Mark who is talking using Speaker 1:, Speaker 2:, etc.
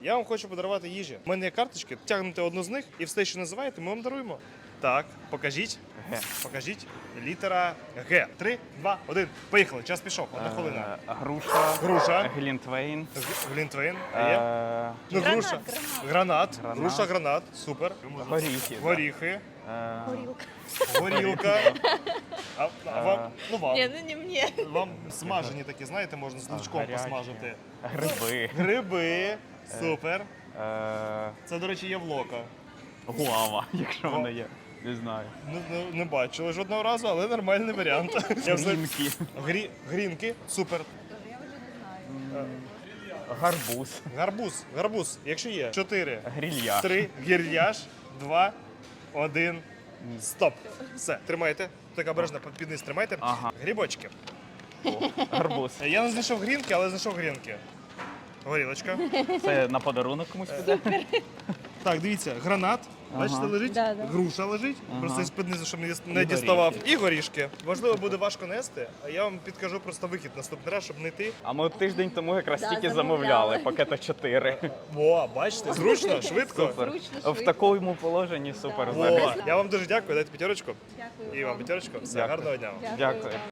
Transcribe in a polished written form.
Speaker 1: Я вам хочу подарувати їжі. У мене є карточки, тягнете одну з них і все, що називаєте, ми вам даруємо. Так, покажіть.
Speaker 2: Г.
Speaker 1: Покажіть. Літера Г. 3, 2, 1. Поїхали. Час пішов. Одна хвилина.
Speaker 2: Груша.
Speaker 1: Груша.
Speaker 2: Глінтвейн.
Speaker 1: Глінтвейн. Є.
Speaker 2: Е,
Speaker 1: Ну,
Speaker 3: Гранат,
Speaker 1: груша.
Speaker 3: гранат.
Speaker 1: Гранат. Груша, гранат. Супер.
Speaker 2: Горіхи.
Speaker 1: Горіхи.
Speaker 3: Горілка.
Speaker 1: Горілка. А вам? Ну вам.
Speaker 3: Ні, ну не мені.
Speaker 1: Вам смажені такі, знаєте, можна з лучком
Speaker 2: Гарячі.
Speaker 1: посмажити.
Speaker 2: Гриби.
Speaker 1: Гриби. Супер.
Speaker 2: Е,
Speaker 1: Це, до речі, є в Лока.
Speaker 2: Гуава, якщо вона є. Не знаю.
Speaker 1: Не бачили жодного разу, але нормальний варіант. Я все-
Speaker 2: Грінки.
Speaker 1: Грінки. Супер.
Speaker 2: Гарбуз.
Speaker 1: Гарбуз. Якщо є. 4,
Speaker 2: Грильяж.
Speaker 1: 3, гірляж, 2, 1. Стоп. Все, тримайте. Так обережно під низ тримайте.
Speaker 2: Ага.
Speaker 1: Грибочки.
Speaker 2: Гарбуз.
Speaker 1: Я не знайшов грінки, але знайшов грінки. Горілочка.
Speaker 2: Це на подарунок комусь піде?
Speaker 1: Так, дивіться, гранат. Бачите, лежить,
Speaker 3: Да.
Speaker 1: груша лежить, просто із-під низу, щоб не
Speaker 2: І
Speaker 1: діставав. І горішки. Можливо, буде важко нести, а я вам підкажу просто вихід наступний раз, щоб не йти.
Speaker 2: А ми тиждень тому якраз
Speaker 3: Да,
Speaker 2: тільки
Speaker 3: замовляли.
Speaker 2: замовляли пакета 4.
Speaker 1: О, бачите, зручно, швидко.
Speaker 2: Супер.
Speaker 3: Зручно,
Speaker 2: В
Speaker 3: швидко.
Speaker 2: такому положенні супер
Speaker 3: Да.
Speaker 2: взагалі.
Speaker 1: О, я вам дуже дякую, дайте п'ятерочку.
Speaker 3: Дякую.
Speaker 1: І вам п'ятерочку. Все,
Speaker 2: Дякую.
Speaker 1: гарного дня вам.
Speaker 2: Дякую.